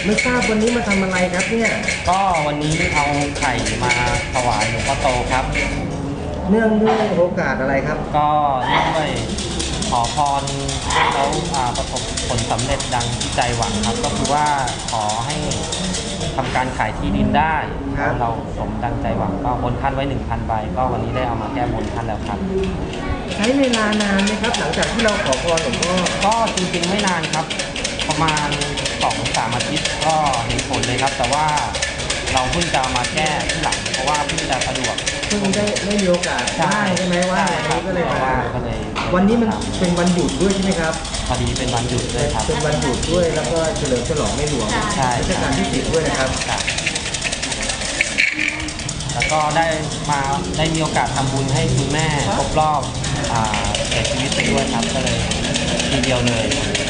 ไม่ทราบวันนี้มาทำอะไรครับเนี่ยก็วันนี้เอาไข่มาถวายหลวงพ่อโตครับเนื่องด้วยโอกาสอะไรครับก็เนื่องด้วยขอพรแล้วประสบผลสำเร็จดังที่ใจหวังครับก็คือว่าขอให้ทำการขายที่ดินได้เราสมดังใจหวังก็บนท่านไว้ 1,000 ใบก็วันนี้ได้เอามาแก้บนท่านแล้วครับใช้เวลานานไหมครับหลังจากที่เราขอพรหลวงพ่อก็จริงๆไม่นานครับประมาณ 2-3 อาทิตย์ก็เห็นผลเลยครับแต่ว่าเราเพิ่งจะมาแก้ที่หลังเพราะว่าเพิ่งจะสะดวกเพิ่งได้มีโอกาสใช่ไหมว่าวันนี้ก็เลยมาวันนี้มันเป็นวันหยุดด้วยใช่ไหมครับพอดีเป็นวันหยุดด้วยครับเป็นวันหยุดด้วยแล้วก็เฉลิมฉลองในหลวงรัชกาลที่10ด้วยนะครับแล้วก็ได้มีโอกาสทำบุญให้คุณแม่ครบรอบเสียชีวิตไปด้วยครับก็เลยทีเดียวเลย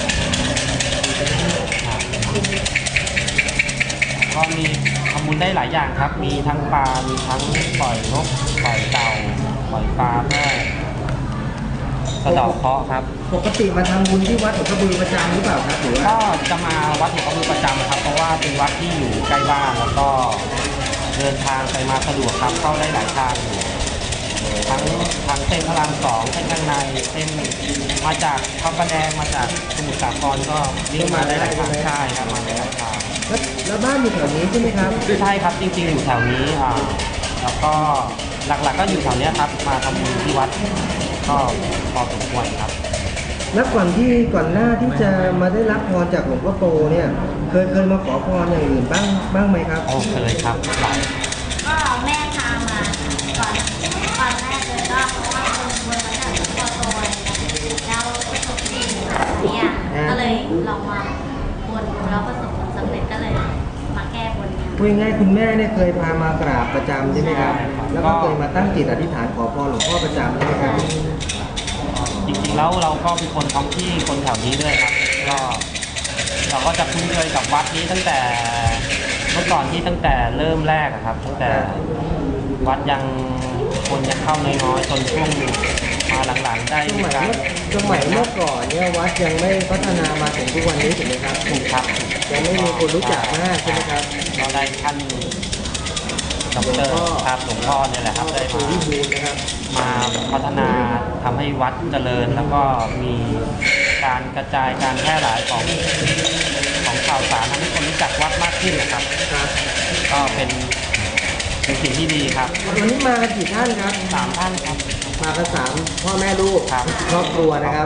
ก็มีทำบุญได้หลายอย่างครับมีทั้งปลามีทั้งปล่อยนกปล่อยเต่าปล่อยปลาเพื่อสะเดาะเคราะห์ครับปกติมาทำบุญที่วัดหลวงพ่อบือประจำหรือเปล่าครับหรือว่าก็จะมาวัดหลวงพ่อบือประจำครับเพราะว่าเป็นวัดที่อยู่ใกล้บ้านแล้วก็เดินทางไปมาสะดวกครับเข้าได้หลายทางทั้งเส้นพระราม 2เส้นข้างในเส้นมาจากพระประแดงมาจากสมุทรสาครก็วิ่งมาได้หลายทางใช่ครับมาได้หลายทางแล้วบ้านอยู่แถวนี้ใช่ไหมครับใช่ครับจริงๆอยู่แถวนี้แล้วก็หลักๆก็อยู่แถวนี้ครับมาทำบุญที่วัดก็พอสมควรครับแล้วก่อนหน้าที่จะมาได้รับพรจากหลวงพ่อโตเนี่ยเคยมาขอพรอย่างอื่นบ้างไหมครับเคยครับก็แม่พามาก่อนแรกเลยก็เพราะว่าคนบนมาจากหลวงพ่อโตแล้วประสบดีเนี่ยก็เลยลองมาบนแล้วประสบผลสำเร็จก็เลยมาแก้บนพูดง่ายคุณแม่เนี่ยเคยพามากราบประจำใช่ไหมครับแล้วก็เคยมาตั้งจิตอธิษฐานขอพรหลวงพ่อประจำใช่ไหมครับจริงๆแล้วเราก็เป็นคนท้องที่คนแถวนี้ด้วยครับก็เราก็จะคุ้นเคยกับวัดนี้ตั้งแต่เมื่อก่อนที่ตั้งแต่เริ่มแรกครับตั้งแต่วัดยังคนยังเข้าน้อยๆจนช่วงมาหลังๆได้สมัยเมื่อก่อนเนี่ยวัดยังไม่พัฒนามาถึงทุกวันนี้ถูกไหมครับถูกครับยังไม่มีคนรู้จักมากใช่ไหมครับเราได้ท่านดร.ครับหลวงพ่อเนี่ยแหละครับได้มาพัฒนาทำให้วัดเจริญแล้วก็มีการกระจายการแพร่หลายของข่าวสารทำให้คนรู้จักวัดมากขึ้นนะครับก็เป็นสิ่งที่ดีครับวันนี้มากันกี่ท่านครับ 3 ท่านครับมากัน3พ่อแม่ลูกครอบครัวนะครับ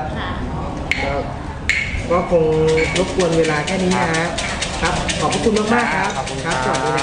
ก็คงรบกวนเวลาแค่นี้นะฮะครับขอบคุณมากๆครับครับสวัสดี